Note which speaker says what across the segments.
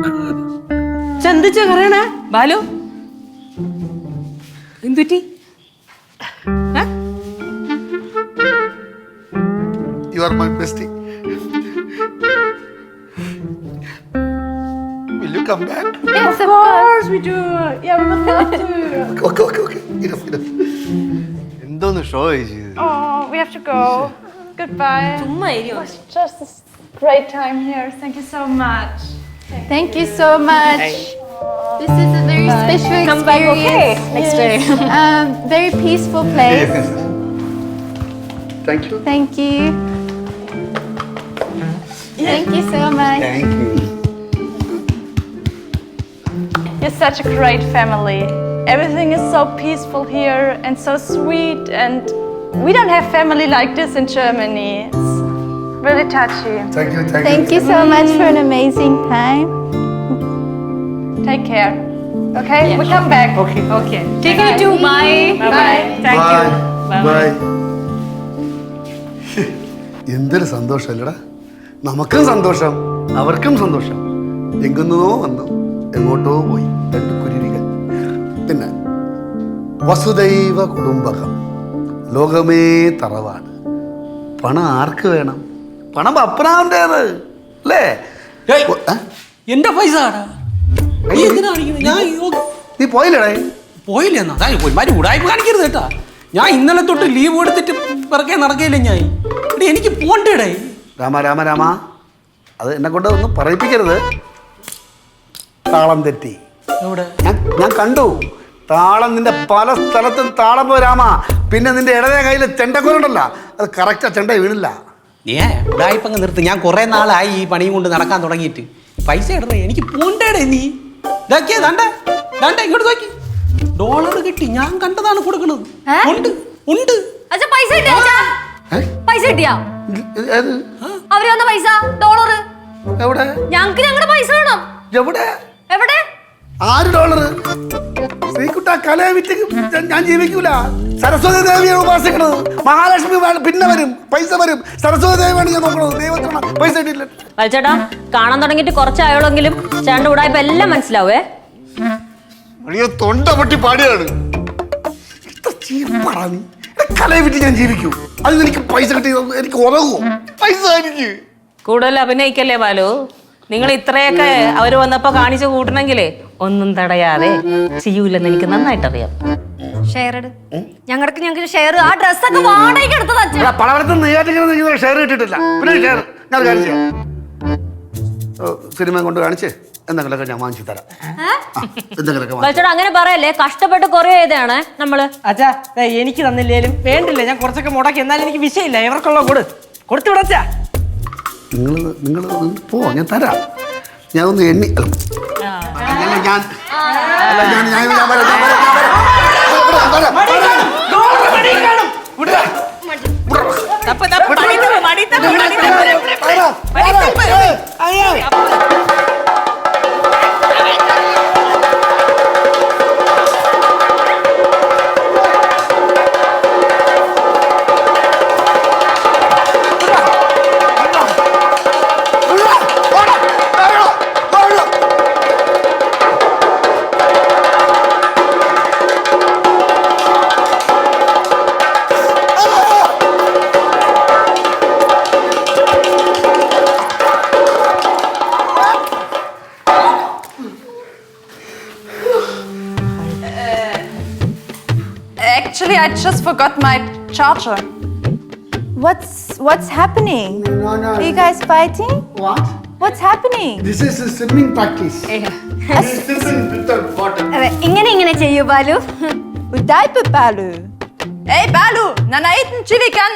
Speaker 1: ചന്തിച്ച കറയണ ബാലു എന്തുറ്റി?
Speaker 2: You are my bestie. Will you come back?
Speaker 3: Yes, of course we do. Yeah, we would love to.
Speaker 2: Okay. Enough. എന്തോന്ന് show ചെയ്ത്?
Speaker 3: Oh, we have to go. Goodbye.
Speaker 1: ചുമ്മാ ഇരിയോ?
Speaker 3: It was just a great time here. Thank you so much.
Speaker 4: Thank you so much. This is a very special
Speaker 3: Come back, okay?
Speaker 4: experience.
Speaker 3: Next day.
Speaker 4: Very peaceful place.
Speaker 2: Thank you.
Speaker 4: Thank you. Thank you so much.
Speaker 2: Thank you.
Speaker 3: You're such a great family. Everything is so peaceful here and so sweet, and we don't have family like this in Germany. It's really touchy.
Speaker 4: Thank you so much for an amazing time.
Speaker 3: Take care. Okay?
Speaker 1: Yeah,
Speaker 3: we come back.
Speaker 1: Okay. Take care too. Bye.
Speaker 3: Bye.
Speaker 1: Thank you.
Speaker 2: Bye. എന്തൊരു സന്തോഷമല്ലടാ, നമുക്കും സന്തോഷം അവർക്കും സന്തോഷം. എങ്ങുന്നോ വന്നു എങ്ങോട്ടോ പോയി രണ്ട് കുരുവികൾ. പിന്നെ വസുദൈവ കുടുംബകം, ലോകമേ തറവാണ്. പണം ആർക്ക് വേണം? പണം അപ്പനാവണ്ടേത് അല്ലേ?
Speaker 5: എന്റെ പൈസ
Speaker 2: നീ പോയില്ലടേ?
Speaker 5: പോയില്ല എന്നാ ഒരുമാതിരി ഉടായ്പ കാണിക്കരുത് കേട്ടാ. ഞാൻ ഇന്നലെ തൊട്ട് ലീവ് എടുത്തിട്ട് പിറകെ നടക്കയില്ല ഞാൻ. എനിക്ക് പോണ്ടേടേ.
Speaker 2: രാമ അത് എന്നെ കൊണ്ട് ഒന്നും പറയിപ്പിക്കരുത്. താളം തെറ്റി.
Speaker 5: എവിടെ?
Speaker 2: ഞാൻ കണ്ടു താളം. നിന്റെ പല സ്ഥലത്തും താളം പോ രാമ. പിന്നെ നിന്റെ ഇടതേ കയ്യിൽ ചെണ്ടക്കോലുണ്ടല്ല, അത് കറക്റ്റാ ചെണ്ട വീണില്ല.
Speaker 5: ഉടായ്പങ്ങ് നിർത്ത്. ഞാൻ കുറെ നാളായി ഈ പണിയും കൊണ്ട് നടക്കാൻ തുടങ്ങിയിട്ട്. പൈസ ഇടണേ, എനിക്ക് പോണ്ടേടേ. നീ ഇതാക്കിയേ ദാണ്ട ഇങ്ങോട്ട് നോക്കി. ഡോളർ കിട്ടി, ഞാൻ കണ്ടതാണ് കൊടുക്കണത്. ഉണ്ട്.
Speaker 6: അച്ഛാ പൈസ കിട്ടിയാ? പൈസ കിട്ടിയാ?
Speaker 2: ഏത്?
Speaker 6: അവര് വന്ന പൈസ ഡോളർ.
Speaker 2: എവിടെ?
Speaker 6: ഞങ്ങക്ക് ഞങ്ങളുടെ പൈസ വേണം.
Speaker 2: എവിടെ?
Speaker 6: എവിടെ?
Speaker 2: 6 ഡോളർ. ശ്രീകുട്ട കലയെ വിറ്റ് ഞാൻ ജീവിക്കൂല. സരസ്വതി ദേവിയാണ് ഉപാസിക്കണത്. മഹാലക്ഷ്മി പിന്നെ വരും, പൈസ വരും. സരസ്വതി ദേവിയാണ് ഞാൻ നോക്കണത്. ദൈവത്തിന് പൈസ കിട്ടില്ല.
Speaker 6: ചേട്ടാ കാണാൻ തുടങ്ങിയിട്ട് കുറച്ചായോളെങ്കിലും ചേട്ടൻ്റെ ഉടായ്പ എല്ലാം മനസ്സിലാവേ.
Speaker 2: അയ്യോ, തൊണ്ട പൊട്ടി പാടിയാണ്. കലയെ വിറ്റ് ഞാൻ ജീവിക്കൂ. അതിന് എനിക്ക് പൈസ കിട്ടി എനിക്ക് ഉറങ്ങുമോ? പൈസ എനിക്ക്.
Speaker 1: കൂടുതൽ അഭിനയിക്കല്ലേ ബാലു. നിങ്ങൾ ഇത്രയൊക്കെ അവര് വന്നപ്പോ കാണിച്ചു കൂട്ടണമെങ്കിലേ ഒന്നും തടയാതെ ചെയ്യൂലെന്ന് എനിക്ക് നന്നായിട്ട് അറിയാം.
Speaker 6: ഷെയർ ഞങ്ങൾക്ക് ഷെയർ. ആ ഡ്രസ്സൊക്കെ വാടകയ്ക്ക് എടുത്തത് അച്ഛൻ.
Speaker 2: പലവരത്തും നെയ്യാറ്റിങ്ങനെ ഷെയർ കിട്ടിയിട്ടില്ല. പിന്നെ ഷെയർ ഞാൻ കാണിച്ചു തരാം. സിനിമ കൊണ്ട് കാണിച്ച് എന്തെങ്കിലുമൊക്കെ ഞാൻ വാങ്ങിച്ചു തരാം.
Speaker 6: ചേട്ടാ അങ്ങനെ പറയല്ലേ, കഷ്ടപ്പെട്ട് കുറെ ചെയ്താണ് നമ്മള്.
Speaker 1: അച്ഛാ എനിക്ക് തന്നില്ലേലും വേണ്ടില്ല, ഞാൻ കുറച്ചൊക്കെ മുടക്കി. എന്നാലും എനിക്ക് വിഷയമില്ല. ഇവർക്കുള്ള കൊടുത്തു വിടച്ചാ.
Speaker 2: നിങ്ങൾ പോ, ഞാൻ തരാം. ഞാൻ ഒന്ന് എണ്ണി
Speaker 3: Actually, I just forgot my charger.
Speaker 4: What's happening?
Speaker 2: No.
Speaker 4: Are you guys fighting?
Speaker 2: What?
Speaker 4: What's happening?
Speaker 2: This is a swimming practice.
Speaker 6: ഇങ്ങനെ ചെയ്യൂ Balu.
Speaker 4: Udaipa Balu.
Speaker 3: Hey, Balu! Nanaitin chili kan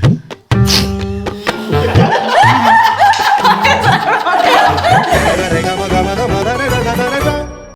Speaker 3: noku!